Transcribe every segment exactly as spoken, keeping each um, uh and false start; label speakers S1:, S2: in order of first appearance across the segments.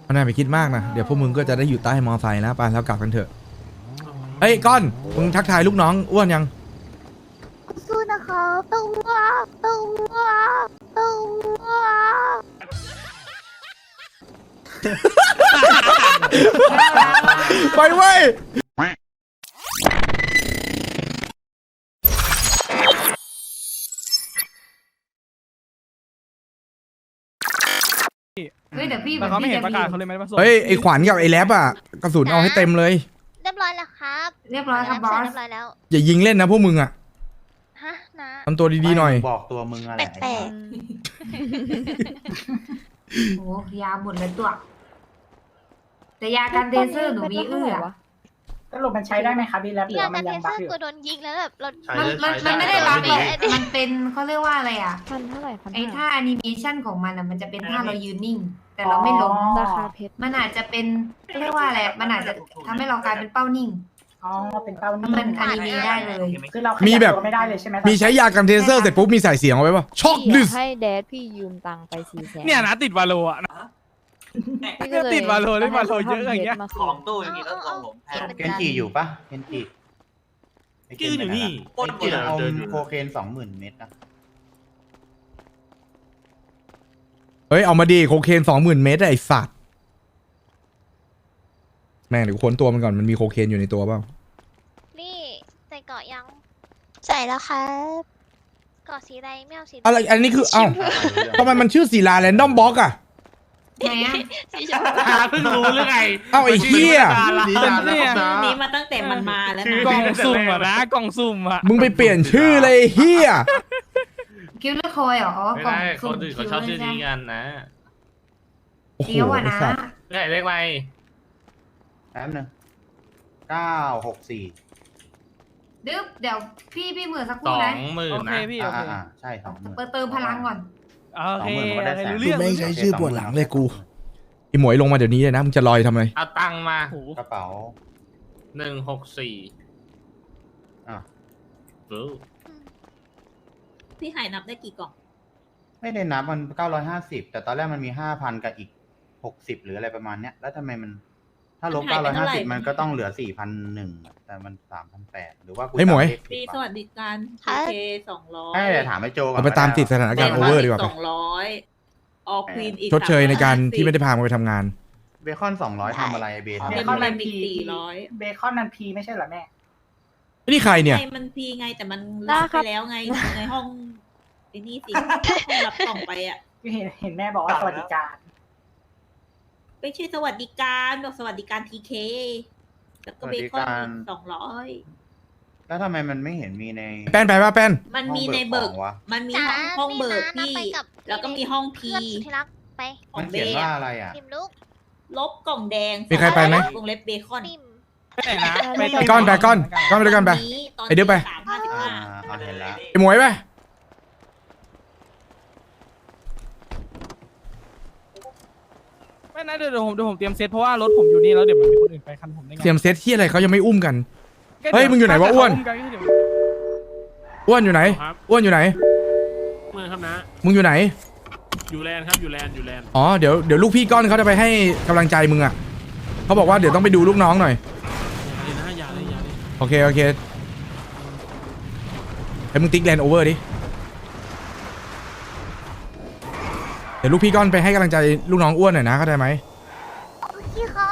S1: เอาหน่าไปคิดมากนะเดี๋ยวพวกมึงก็จะได้อยู่ใต้มอไซค์นะไปแล้วกลับกันเถอะเฮ้ยก้อนมึงทักทายลูกน้องอ้วนยัง
S2: สู้นะคะตัวตัวตัว
S1: ไปเว้ย
S3: เฮ้ยเดี๋ยวพี่
S4: แต่เขาไม่เห็นประกาศเขาเลยไม่ได้มาส่ง
S1: เฮ้ยไอขวัญกับไอแรปอ่ะกระสุนเอาให้เต็มเลย
S2: เรียบร้อยแล้วครับ
S3: เรียบร้อยครับบอส
S2: เรียบร้อยแล้ว
S1: อย่ายิงเล่นนะพวกมึงอ่ะ
S2: ฮะนะ
S1: ทำตัวดีๆหน่อย
S5: บอกตัวมึงอะไร
S2: แปลก
S3: โอ้ยาหมดเลยตัว แต่ยาการเดเซอร์หนูมีเอื้อ
S6: สรุปมันใช้ได้ไหมครับพี่แรปหรือ
S2: ๆอยาก
S6: ว่า
S2: กั
S6: มัน น
S2: เท
S6: ยัง
S2: เซ
S6: บั
S2: อก ร์
S6: อยู่
S2: กูโดนยิงแล้วแบบเรา
S3: มันมันมันไม่ได้บัฟหรอกมันเป็นเขาเรียกว่าอะไรอ่ะ
S7: พันเท่าไหร่พัน
S3: ไอ้ท่าแอนิเมชันของมันอ่ะมันจะเป็นท่าเรายืนนิ่ง แต่เราไม่ล้ม
S7: ราคาเพชร
S3: มันอาจจะเป็นเรียกว่าอะไรมันอาจจะทำให้เรากลายเป็นเป้านิ่ง
S6: อ๋อเป็นเป้า
S3: ถ้ามันอนิเมะได้เลย
S6: คือเรา
S1: มี
S6: มี
S1: แบบ
S6: ไม่ได้เลยใช่ไหม
S1: มีใช้ยากันเทเซอร์เสร็จปุ๊บมีใส่เสียงเอาไว้ป่ะช็อก
S7: พี่
S1: ดิ
S7: อยา
S1: ส
S7: กให้แดดพี่ยืมตังค์ไปสี่แสน
S4: เนี่ยนะติดวาโลอ่ะ
S7: พี่ก็เลย
S4: ติดวาโลเล่นวาโลเยอะอย่างเงี้ย
S7: มา
S8: ข
S7: ส่
S8: อง งตู้อย่างนี้ต้องส่งผมแทน
S5: เคนจิอยู่ปะเคนจิไเคน
S8: จื้ออยู่นี่
S5: ไอ้เคนเอาโคเคนสองหมื่นเม็ดนะ
S1: เฮ้ยเอามาดีโคเคนสองหมื่นเมตรไอสัตว์แม่งเดี๋ยวค้นตัวมันก่อนมันมีโคเคนอยู่ในตัวเปล่า
S2: นี่ใส่เกาะยัง ใส่แล้วครับเกาะสีอะไรไม่เอาสี
S1: อะไรอันนี้คือเอ้าทำไมมันชื่อศิลาแรนดอมบล็อกอะ
S3: ไหนอ่ะ
S2: สีชมพู
S8: เพิ่งรู้หรือไง
S1: เอ้าไอ้เหี้ย
S4: เป็นเนี่ย
S9: นี้มาตั้งแต่มันมาแล้วนะ
S4: กล่องสุ่มอ่ะนะกล่องสุ่มอ่ะ
S1: มึงไปเปลี่ยนชื่อเลยไอ้เฮีย
S3: คิวเลอร์คอยเหรออ๋อ
S8: ไม่
S3: กล่อง
S8: ได้
S3: สุ่
S8: ค
S3: ม
S8: นอื่น
S3: คิ
S8: เขา
S3: ว
S8: ชอบ
S3: เล
S8: ชื่อนี้
S3: ย
S8: กันนะ
S1: โอ้โห
S3: เดี๋ยวอ่ะ
S1: ไอ้
S3: นะ
S1: สัตว์
S8: เรียกเรียกอะไร
S5: แป๊บนึงเก้าหกสี่
S3: ดึ๊บเดี๋ยวพี่พี่เหมือนสักค
S8: ส
S3: รู่
S8: อ
S3: นะ
S8: งหมื่น
S4: โอเค
S8: นะ
S4: พี่โอ
S5: อ่า
S4: เค
S5: อ่าใช่สองหมื่น
S3: เปิดเติมพลังก่อน
S4: โอเค
S5: สองหมื่นมันก็ได้แสน
S4: รู้เรื่อง
S1: ไม่ใช้ชื่อปวดหลังเลยกูไอหมวยลงมาเดี๋ยวนี้เลยนะมึงจะลอยทำไม
S8: เอาตังค์มา
S4: โอ้โห
S5: กระเป๋า
S8: หนึ่งหกสี่
S5: อ่ะ
S8: รู้
S9: พี่หายนับได้กี่กล่อง
S5: ไม่ได้นับมันเก้าร้อยห้าสิบแต่ตอนแรกมันมีห้าพันกับอีกหกสิบหรืออะไรประมาณเนี้ยแล้วทำไมมัน ถ้าลบเก้าร้อยห้าสิบมันก็ต้องเหลือสี่พันหนึ่งแต่มันสามพันแปดหรือว่ากู
S1: ไอ้หมวย
S5: จำเลขผิ
S9: มี
S5: ด
S9: ส
S5: ปะ
S9: วัสดิการเคสองร้อย
S5: ให้เดี๋ยวถามไอ้โจก่อน
S1: เอาไปตามติดสถานการณ์โอเวอร์ดีกว่า
S9: ส
S1: ไป
S9: องร้อยออควีนอีก
S1: ชดเชยในการที่ไม่ได้พามันไปทำงาน
S5: เบคอนสองร้อยทำอะไรเบ
S9: เบ
S5: ทำ
S9: ค
S5: อะ
S9: อน
S5: ไร
S9: มันมีสี่ร้อย
S6: เบคอนมันพีไม่ใช่เหรอแม่
S1: ไอ้นี่ใครเนี่ย
S9: ไงมันพีไงแต่มันรับไปแล้วไงในห้องไอ้นี่สิห้องรับกล่องไปอ่ะ
S6: เห็นเห็นแม่บอกว่าสวัสดิการ
S9: ไม่ใช่สวัสดิการบอกสวัสดิการทีเคแล้วก็เบคอนสองร้อย
S5: แล้วทำไมมันไม่เห็นมีใน
S1: แป้นไปป่ะแป้น
S9: มันมีในเบิก
S5: ห้องเบิกของวะ
S9: มันมี
S2: จ๋า
S9: ห้องห้องเบิก
S2: นี่นะ
S9: พี่
S2: ไปกับ
S9: แล้วก็มีห้องพี
S2: เพื่อนสุดที่รักไป
S9: ขอ
S5: มั
S9: ง
S5: น
S9: เบ
S5: เขียน
S9: ย์
S5: ว่า
S9: อะ
S5: อะไรอ่ะ
S2: ปิมลุก
S9: ลบกล่องแดง
S1: มีใครไปไหม
S9: วงเล็บเบคอน
S2: ปิม
S4: ไปไหนนะไป
S1: ไปก้อนไปก้อนก้อนไปด้วยกันไป
S9: ตนี้ตอน
S1: ไอ้เดี๋ยวไป
S9: สามห้าสิบ
S5: อ่า
S9: ห้า
S5: เอาเห็นแล้ว
S1: ไอหมวยไป
S4: ไม่นะเดี๋ยวผมเดี๋ยวผมเตรียมเซตเพราะว่ารถผมอยู่นี่แล้วเดี๋ยวมันมีคนอื่นไปคันผมได้ไง
S1: เตรียมเซตที่อะไรเขายังไม่อุ้มกัน เฮ้ยมึงอยู่ไหนวะอ้วน อ้วนอยู่ไหน
S8: ครับ
S1: อ้วนอยู่ไหน
S8: เมื่อครับนะ
S1: มึงอยู่ไหน
S8: อยู่แลนด์ครับอยู่แลนด์อยู่แลนด์
S1: อ๋อเดี๋ยวเดี๋ยวลูกพี่ก้อนเขาจะไปให้กำลังใจมึงอ่ะเขาบอกว่าเดี๋ยวต้องไปดูลูกน้องหน่อย
S8: อย่าเลยนะอย่าเลยอย่าเลย
S1: โอเคโอเคให้มึงติ๊กแลนด์โอเวอร์ดิ เดี๋ยวลูกพี่ก้อนไปให้กำลังใจลูกน้องอ้วนหน่อยนะเข้าใจไหม
S2: โอเคครับ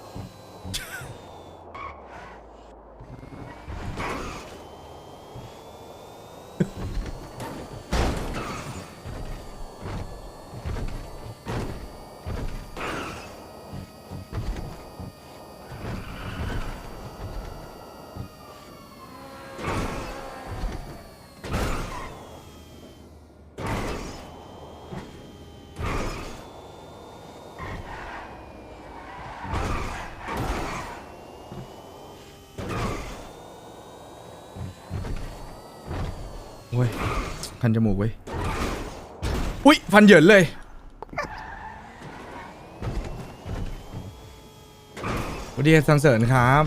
S1: โอ้ยคันจมูกเว้ยอุ้ยฟันเหยินเลยสวัสดีสันเสริญครับ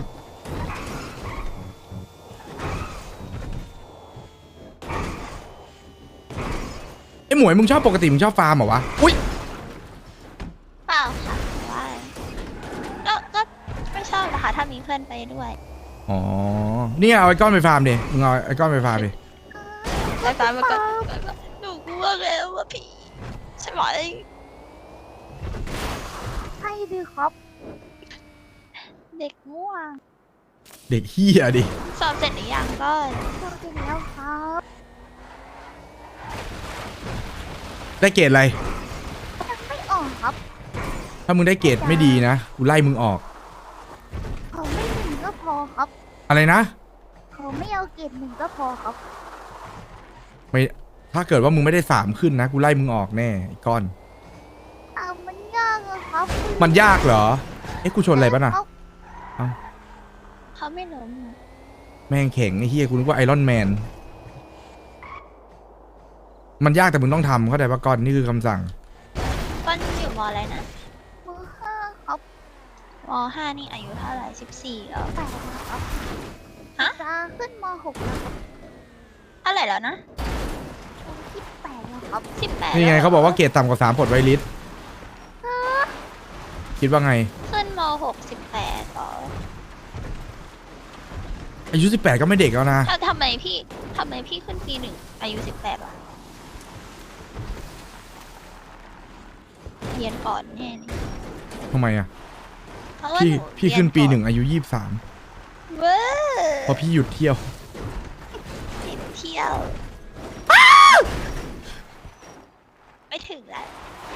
S1: ไอ้หมวยมึงชอบปกติมึงชอบฟาร์มเหรอวะอุ้ย
S2: เปล่าค่ะว่าชอบนะคะถ้ามีเพื่อนไปด้วย
S1: อ๋อเนี่ยเอาไอ้ก้อนไปฟาร์มดิมึงเอาไอ้ก้อนไปฟาร์มดิ
S2: ไปฟ้ามาก่อนหนูกลัวแล้วว่าพี่ใช่ไหมใช่ดิครับ เด็กม่วง
S1: เด็กเฮียดิ
S2: สอบเสร็จหรือยังก็สอบเสร็จแล้วครับ
S1: ได้เกรดอะไร
S2: ยังไม่ออกครับ
S1: ถ้ามึงได้เกรดไม่ดีนะกูไล่มึงออก
S2: เขาไม่หนึ่งก็พอครับ
S1: อะไรนะ
S2: เขาไม่เอาเกรดหนึ่งก็พอครับ
S1: ไม่ถ้าเกิดว่ามึงไม่ได้สามขึ้นนะกูไล่มึงออกแน่ไอ้ก้อน
S2: อ่ามันยากอะครับ
S1: มันยากเหรอเอ๊ะกูชนอะไรปะน่ะ เอ้า
S2: เขาไม่ล้มอะ
S1: แม่งแข็งไอ้เฮียกูนึกว่าไอรอนแมนมันยากแต่มึงต้องทำเข้าใจปะก้อนนี่คือคำสั่ง
S2: ก้อนอยู่มอะไรนะมห้าครับมห้านี่อายุเท่าไหร่สิบสี่แล้วแปดครับฮะจะขึ้นมหกแล้วครับเท่าไหร่แล้วนะสิบแปดแล้วครับสิบแปด
S1: นี่ไงเขาบอกว่าเกรดต่ำกว่าสามปลดไวลิสคิดว่าไง
S2: ขึ้นมหกสิบแปดหรอ
S1: อายุสิบแปดก็ไม่เด็กแล้วนะ
S2: ถ้าทำไมพี่ทำไมพี่ขึ้นปีหนึ่งอายุสิบแปดวะเรียนก่อนแน่เลย
S1: ทำไมอ่ะ
S2: เพราะว่า
S1: พี่
S2: หนู
S1: พี่
S2: เรีย
S1: ขึ้นปี
S2: ก่อ
S1: หนึ่งอายุยี่สิบสาม
S2: เว้ย
S1: เพราะพี่หยุดเที่ยว
S2: ติดเที่ยว ไม่ถึงแล้ว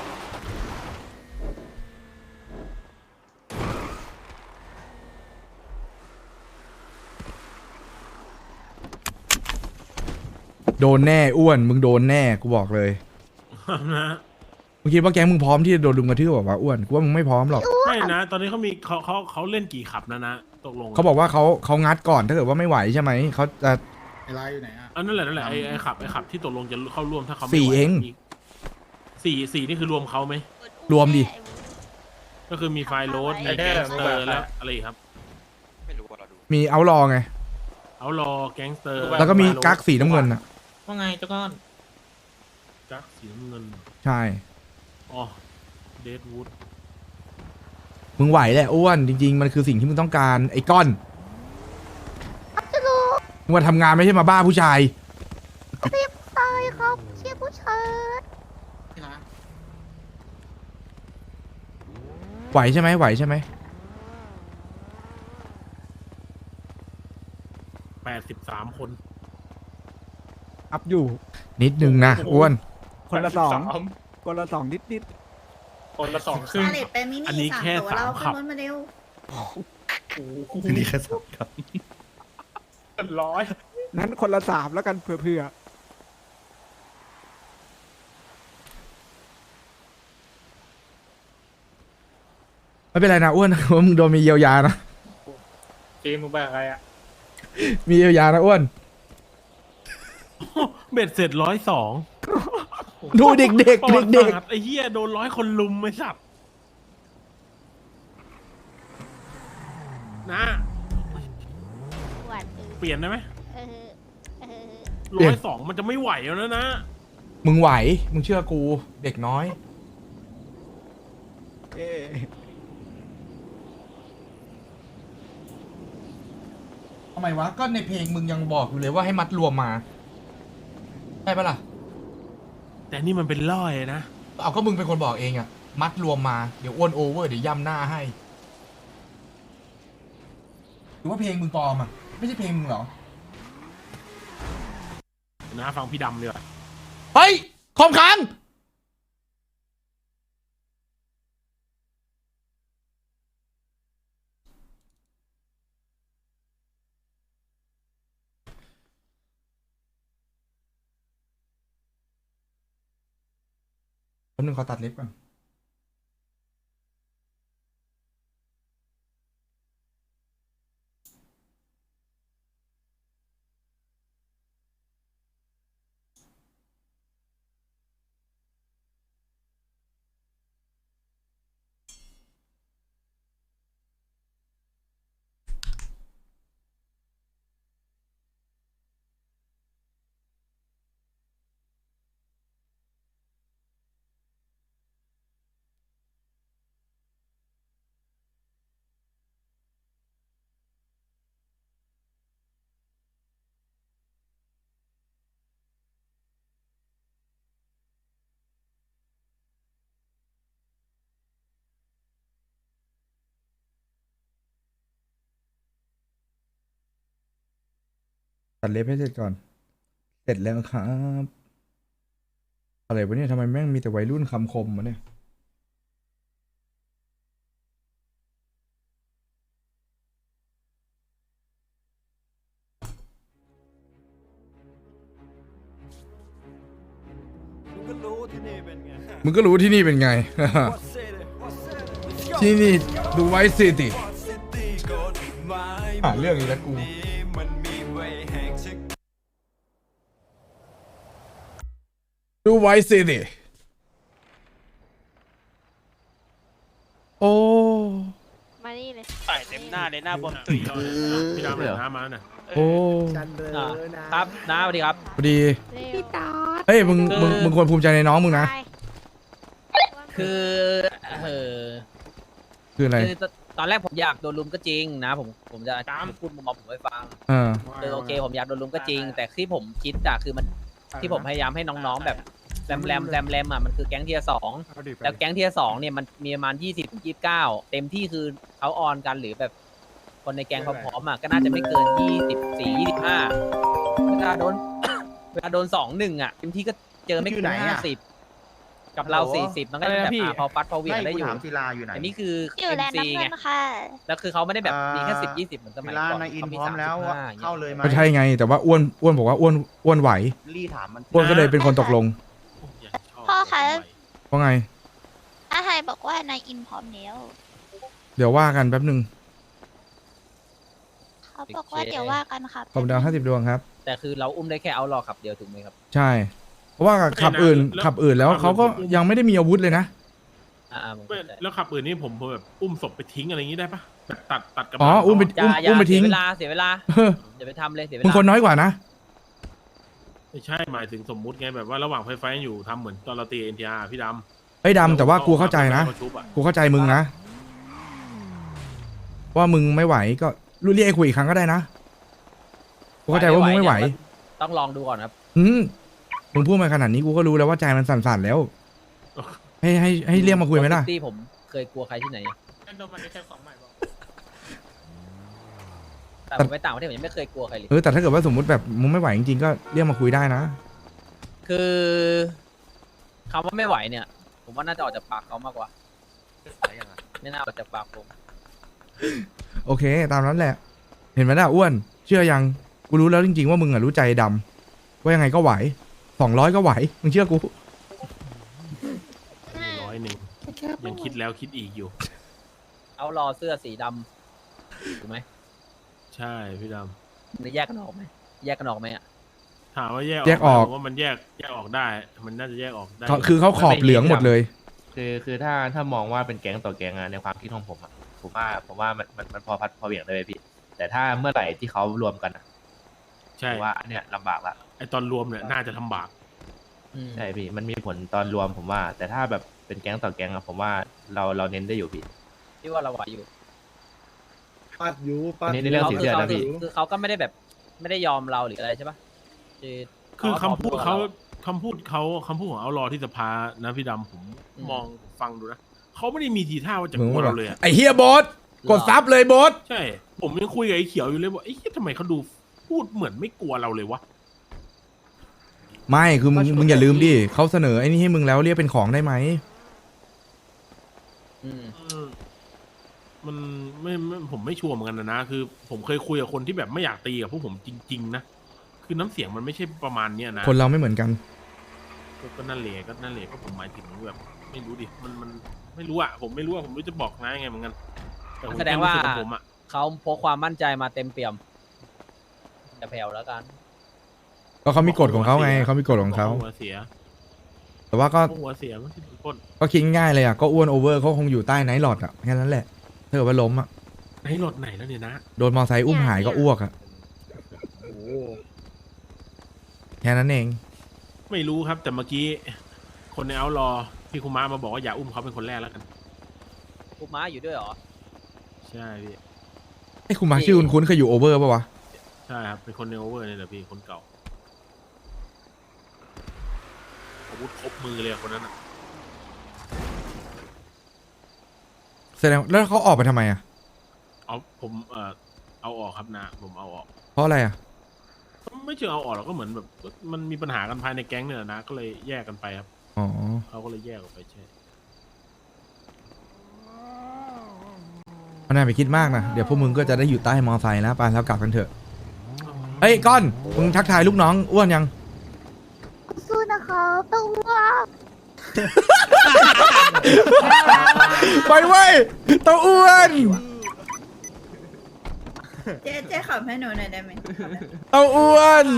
S1: โดนแน่อ้วนมึงโดนแน่กูบอกเลย
S8: นะ
S1: มึงคิดว่าแก๊งมึงพร้อมที่จะโดนลุมกระทืบบอกว่าวะอ้วนกูว่ามึงไม่พร้อมหรอก
S8: ไม่นะ ตอนนี้เขามีเขาเขาเขาเล่นกี่ขับนะนะตกลง
S1: เขาบอกว่าเขาเขางัดก่อนถ้าเกิดว่าไม่ไหวใช่ไหมเขาจะ
S5: ไอ้ลายอยู่ไหนอ่ะ
S8: อันนั่นแหละนั่นแหละไอ้ไอ้ขับไอ้ขับที่ตกลงจะเข้าร่วมถ้าเขาไม่
S1: สี่
S8: ไหว
S1: เอง
S8: มีสี่สี่นี่คือรวมเขาไหม
S1: รวมดิ
S8: ก็คือมีไฟล์โรดมีแก๊งสเตอร์แล้วอะไรอีกครับ
S1: มีเอารอไง
S8: เอารอแก๊งสเตอร์
S1: แล้วก็มีกั๊กสีน้ำเงินอ่ะ
S9: ว่าไงเจ้าก้อน
S8: กั๊กสีน้ำเงิน
S1: ใช่
S8: อ๋อเดดวูด
S1: มึงไหวแหละอ้วนจริง ๆ มันคือสิ่งที่มึงต้องการไอ้ก้อนมึงมาทำงานไม่ใช่มาบ้าผู้ชาย
S2: ตายครับเชียร์ผู้ชาย
S1: ไหวใช่ไหมไหวใช่ไหม
S8: แปดสิบสามคน
S4: อัพอยู่
S1: นิดนึงนะอ้วน
S4: คนละสองคนละสองนิดนิด
S8: คนละสองครึ่ง
S9: เลตไปมินิ
S8: อันนี้แค่สามขับ
S9: รถมาเร็ว
S5: นี่แค่สามครับ
S8: ร้อย
S4: ๆนั้นคนละสามแล้วกันเผื่อ
S1: ไม่เป็นไรนะอ้วน ว่ามึงโดนมีเยียวยานะ
S8: เจมมึงไปอะไรอ่ะ
S1: มีเยียวยานะอ้วน
S8: เบ็ดเสร็จร้อยสอง
S1: ดูเด็กๆเด็ก
S8: ประวัติ
S1: เด็ก
S8: ศาสตร์ไอ้เหี้ยโดนร้อยคนลุมไม่สับนะ
S2: หวานเออ
S8: เปลี่ยนได้ไหม
S2: เออเออ
S8: ร้อยสองมันจะไม่ไหวแล้วนะนะ
S1: มึงไหวมึงเชื่อกูเด็กน้อย
S4: ๆเอ๊ะ
S1: ทำไมวะก็ในเพลงมึงยังบอกอยู่เลยว่าให้มัดรวมมาใช่ปะล่ะ
S8: แต่นี่มันเป็นล่อยนะ
S1: เอาก็มึงเป็นคนบอกเองอะมัดรวมมาเดี๋ยวอ้วนโอเวอร์เดี๋ยวย่ำหน้าให้หรือว่าเพลงมึงปลอมอะไม่ใช่เพลงมึงเหรอ
S8: นะฟังพี่ดำเลยว่ะ
S1: เฮ้ยคอมค้างแป๊บนึงขอตัดเล็บก่อนตัดเล็บให้เสร็จก่อน เสร็จแล้วครับ อะไรวะเนี่ยทำไมแม่งมีแต่วัยรุ่นคำคมวะเนี่ย
S10: มึงก็รู้ที่นี่เป็นไง
S1: มึงก็รู้ที่นี่เป็นไง ที่นี่ดูไว้สิติหาเรื่องอีกแล้วกู ดูไว้สิติโอ้
S7: มานี่เลย
S8: ใส่เต็มหน้าเลยหน้าบวมตุ๋ยพี่ดำเลยน้ำมาหน่อย
S1: โอ้
S4: ครับน้าสวัสดีครับ
S1: พอดี
S7: พี่ตอด
S1: เฮ้ยมึงมึงมึงควรภูมิใจในน้องมึงนะ
S4: คือเออ
S1: คืออะไร
S4: คือตอนแรกผมอยากโดนลุมก็จริงนะผมผมจะพูดมุมมองผมให้ฟัง
S1: เออ
S4: คือโอเคผมอยากโดนลุมก็จริง แต่ที่ผมคิดอะคือมันที่ผมพยายามให้น้องๆแบบแรมแรมแรมแรมอะมันคือแก๊งเทียร์สองแล้วแก๊งเทียร์สองเนี่ยมันมีประมาณยี่สิบถึงยี่สิบเก้าเต็มที่คือเขาออนกันหรือแบบคนในแก๊งพร้อมๆอะก็น่าจะไม่เกินยี่สิบสี่ยี่สิบห้าเวลาโดน เวลาโดนสองหนึ่งอะเต็มที่ก็เจอไม่เกินห้าสิบกับเราสี่สิบมันก็จะแบบอ่ะพอฟัดพอเหวี่ยงได้อยู่
S5: ไม่กูถามศิลาอยู่ไหน
S4: อันนี้คือ
S2: อยู่แลนด์
S4: เอ็ม
S2: น้ำ
S4: ซี
S2: เงิ
S4: ไง
S2: นค่ะ
S4: แล้วคือเขาไม่ได้แบบมีแค่สิบยี่สิบเหมือนสมั
S5: ศิ
S4: ย
S5: ลา
S4: ก่อน
S5: ในอิน
S4: เขา
S5: พร้อมแล้ว
S4: สามสิบห้า
S5: เข้าเลยไหม
S1: ก็ใช่ไง แต่ว่าอ้วนอ้วนบอกว่าอ้วนอ้วนไหว
S5: รีถามมัน
S1: อ้วนก็เลยเป็นคนตกลง
S2: พ่อคะ
S1: เพราะไง
S2: อาไฮบอกว่านายอินพร้อมแล้ว
S1: เดี๋ยวว่ากันแป๊บหนึ่ง
S2: เขาบอกว่าเดี๋ยวว่ากันครับ
S1: ขอบดาวห้าสิบดวงครับ
S4: แต่คือเราอุ้มได้แค่เอารอขับเดียวถูกไหมครับ
S1: ใช่ เพราะว่าขับอื่นขับอื่นแล้วเขาก็ยังไม่ได้มีอาวุธเลยนะ
S4: อ่าๆผม
S8: ไม่
S4: เข้าใจ
S8: แล้วขับอื่นนี่ผมผมแบบอุ้มศพไปทิ้งอะไรอย่างนี้ได้ปะแบบตัดตัดกระบะ
S1: อ๋ออุ้มไป
S4: อย่าอย่า
S1: อุ้มไปทิ้ง
S4: เสียเวลาเสียเวลา
S1: เออ
S4: อย่าไปทำเลยเสียเว
S1: มึง
S4: ลา
S1: คนน้อยกว่านะ
S8: ไม่ใช่หมายถึงสมมุติไงแบบว่าระหว่างไฟไฟอยู่ทำเหมือนตอนเราตีเอ็นทีอาร์พี่ดำ
S1: เฮ้ยดำแต่ว่ากูเข้าใจนะ
S8: แล้วก็ชุบอ
S1: กูเข้าใจมึงนะ ว่ามึงไม่ไหวก็รู้เรียกไอ้คุยอีกครั้งก็ได้นะ กูเข้าใจว่ามึงไม่ไหว
S4: ต้องลองดูก่อนครับ
S1: อืมมึงพูดมาขนาดนี้กูก็รู้แล้วว่าใจมันสั่นๆแล้ว ให้ให้ให้เรียกมาคุยไหมล่ะ
S4: ที่ผมเคยกลัวใครที่ไหนแต่ผมไปต่างประเทศผมยังไม่เคยกลัวใครเลย
S1: เออแต่ถ้าเกิดว่าสมมุติแบบมึงไม่ไหวจริงๆก็เรียกมาคุยได้นะ
S4: คือคำว่าไม่ไหวเนี่ย ผมว่าน่าจะออกจากปากเขามากกว่าไม่น่าออกจากปากผม
S1: โอเค ตามนั้นแหละ เห็นไหมล่ะอ้วน เชื่อยังกูรู้แล้วจริงๆว่ามึงอะรู้ใจดำว่ายังไงก็ไหวสองร้อยก็ไหวมึงเชื่อกู
S8: ร้อยหนึ่งยังคิดแล้วคิดอีกอยู่
S4: เอารอเสื้อสีดำถูกไหม
S8: ใช่พี่ด
S4: จะแยกกันออกไหมแยกกันออกไหมอ่ะ
S8: ำถามว่าแยก
S1: แยกออก
S8: ผมว่ามันแยกแยกออกได้ มันน่าจะแยกออกได้
S1: เขาคือเขาขอบเหลืองหมดเลย
S11: คือคือถ้าถ้ามองว่าเป็นแก๊งต่อแก๊งอะในความคิดของผมอะผมว่าผมว่ามันมันมันพอพัดพอเหวี่ยงได้เลยพี่ แต่ถ้าเมื่อไหร่ที่เขารวมกันอะ
S8: ใช่
S11: ผมว่าอันเนี้ยลำบากละ
S8: ไอตอนรวมเนี่ยน่าจะทำบาป
S4: อืม
S11: ใช่พี่มันมีผลตอนรวมผมว่า แต่ถ้าแบบเป็นแก๊งต่อแก๊งอะผมว่าเราเราเน้นได้อยู่พี่
S4: ที่ว่าเราไหวอยู่
S10: ปัดอยู่ปัด
S11: อันนี้ในเรื่อง
S4: เขา
S11: สี
S4: คื
S11: เสื้อ
S4: เขา
S11: นะ
S4: คือ
S11: พี่
S4: คือเขาก็ไม่ได้แบบไม่ได้ยอมเราหรืออะไรใช่ปะคือ
S8: คือคำพูดเขา
S4: ร
S8: คำพูดเขาคำพูดของเอารอที่สภานะพี่ดำผม
S4: อืม
S8: มองฟังดูนะเขาไม่ได้มีทีท่าว่าจะ
S1: มึ
S8: ก
S1: ง
S8: ลัว
S1: ว่า
S8: เราเลยอะ
S1: ไอ้เฮียโบสกดซับเลยโบส
S8: ใช่ ผมยังคุยกับไอ้เขียวอยู่เลยว่าไอ้เหี้ยทำไมเขาดูพูดเหมือนไม่กลัวเราเลยวะ
S1: ไม่คือมึงมึงอย่าลืมดิเขาเสนอไอ้นี่ให้มึงแล้วเรียกเป็นของได้ไหม
S4: อืม
S8: เออมันไม่ไม่ผมไม่ชัวร์เหมือนกันนะนะคือ ผมเคยคุยกับคนที่แบบไม่อยากตีกับพวกผมจริง ๆ นะคือน้ำเสียงมันไม่ใช่ประมาณเนี้ยนะ
S1: คนเราไม่เหมือนกัน
S8: ก็ก็นั่นแหละก็นั่นแหละก็ผมหมายถึงแบบไม่รู้ดิมันมันไม่รู้อะผมไม่รู้อะผมไม่รู้จะบอกนะยังไงเหมือนกันแต่ผม
S4: แสดงว่า
S8: ค่รู้สึกกับผมอะ
S4: เขาพกความมั่นใจมาเต็มเปี่ยมจะแผ่วแล้วกัน
S1: ก็เขามีกฎของเขาไงเขามีกฎของเขา
S8: หัวเสีย
S1: แต่ว่าก็
S8: หัวเสียมันคือคน
S1: ก็คิดง่ายเลยอ่ะก็อ้วนโอเวอร์เขาคงอยู่ใต้ไนท์หลอดอ่ะแค่นั้นแหละถ้าเกิดว่าล้มอ่ะ
S8: ไหนรถไหนแล้วเนี่ยนะ
S1: โดนมอไซค์อุ้มหายก็อ้วกอ่ะ
S8: โอ้
S1: แค่นั้นเอง
S8: ไม่รู้ครับ แต่เมื่อกี้ คนในเอารอพี่คุมามาบอกว่าอย่าอุ้มเขาเป็นคนแรกแล้วกัน
S4: พวกม้าอยู่ด้วยเหรอ
S8: ใช่พี่
S1: ไอ้คุณมาชื่อคุณคุ้นเคยอยู่โอเวอร์ป่ะวะ
S8: ใช่ครับเป็นคนในโอเวอร์เนี่ยแหละพี่คนเก่าอาวุธครบมือเลยอะคนนั้นอะ
S1: แสดงแล้วเขาออกไปทำไมอ่ะ
S8: เอาผมเอ่อเอาออกครับนะผมเอาออก
S1: เพราะอะไรอ่ะ
S8: ไม่เชิงเอาออกหรอกก็เหมือนแบบมันมีปัญหากันภายในแก๊งเนี่ยนะก็เลยแยกกันไปครับ
S1: อ๋อ
S8: เขาก็เลยแยกออกไปใช่
S1: ไม่น่าไปคิดมากนะเดี๋ยวพวกมึงก็จะได้อยู่ใต้มอไซค์แล้วไปแล้วกลับกันเถอะเฮ้ยก้อนมึงทักทายลูกน้องอ้วนยัง
S2: สู้นะคะต้องว่า
S1: ไปเว้ยเต้าอ้วน
S9: เจ๊เจ๊ขับให้หนูหน่อยได้ไหม
S1: เต้าอ้วน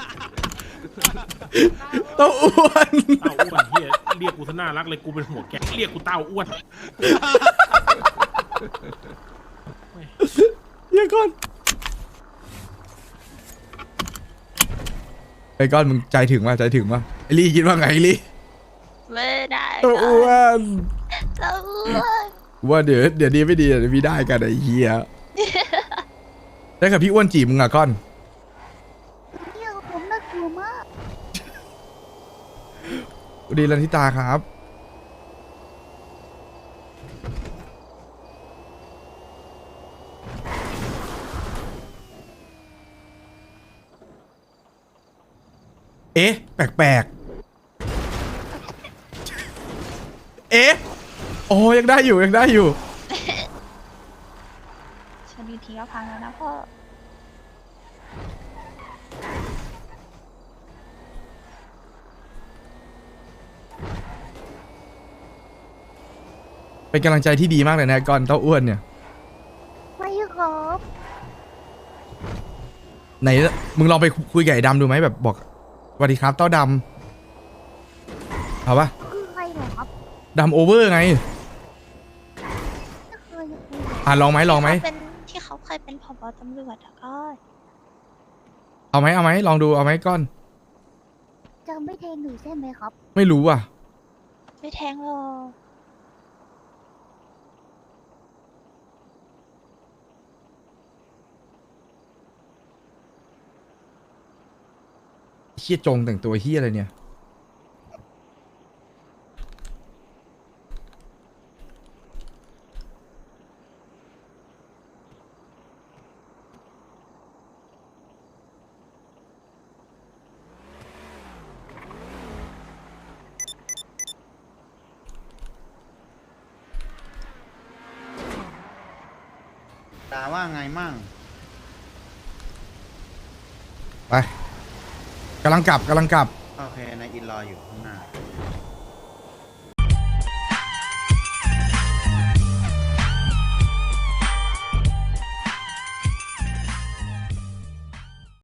S1: เต้าอ้วน
S8: เต้าอ้วนเฮียเรียกกูซะน่ารักเลยกูเป็นหัวแก๊งเรียกกูเต้าอ้วน
S1: เดี๋ยวก่อนไอ้ก้อนมึงใจถึงว่าใจถึงว่าไอ้ลี่คิดว่าไงไอ้ลี่
S2: ไม่ได้
S1: เต้าอ้วน
S2: เต้าอ้วน
S1: ว่าเดี๋ยวเดี๋ยวดีไม่ดีเดี๋ยวมีได้กันไอ้เหี้ยได้กับพี่อ้วนจีบมึงอะก้อน
S2: เที่ยวผมน่ากลัวมาก
S1: สวัสดีลันทิตาครับเอ๊ะแปลกๆเอ๊ะโอ้ยังได้อยู่ยังได้อยู่
S2: ชนดีทีก็พังแล้วนะพ่อ
S1: เป็นกำลังใจที่ดีมากเลยนะก้อนเต้าอ้วนเนี่ย
S2: ไม่ครับ
S1: ไหนมึงลองไปคุยกับไอ้ดำดูไหมแบบบอกสวัสดีครับเต้าดำเอาปะ
S2: คือใครเหรอครับ
S1: ดำโอเวอร์ไง
S2: ไม่เคยคุย
S1: อ่ะลองไหมลองไหม
S2: เป็นที่เขาเคยเป็นผบตำรวจอะก็
S1: เอาไหมเอาไหมลองดูเอาไหมก้อน
S2: จะไม่แทงหนูใช่ไหมครับ
S1: ไม่รู้อ่ะ
S2: ไม่แทงหรอก
S1: เฮียจงแต่งตัวเฮียอะไรเนี่ย
S5: ตาว่าไงมั่ง
S1: ไปกำลังกลับกำลังกลับ
S5: โอเคนายอินรออยู่ข้างหน้า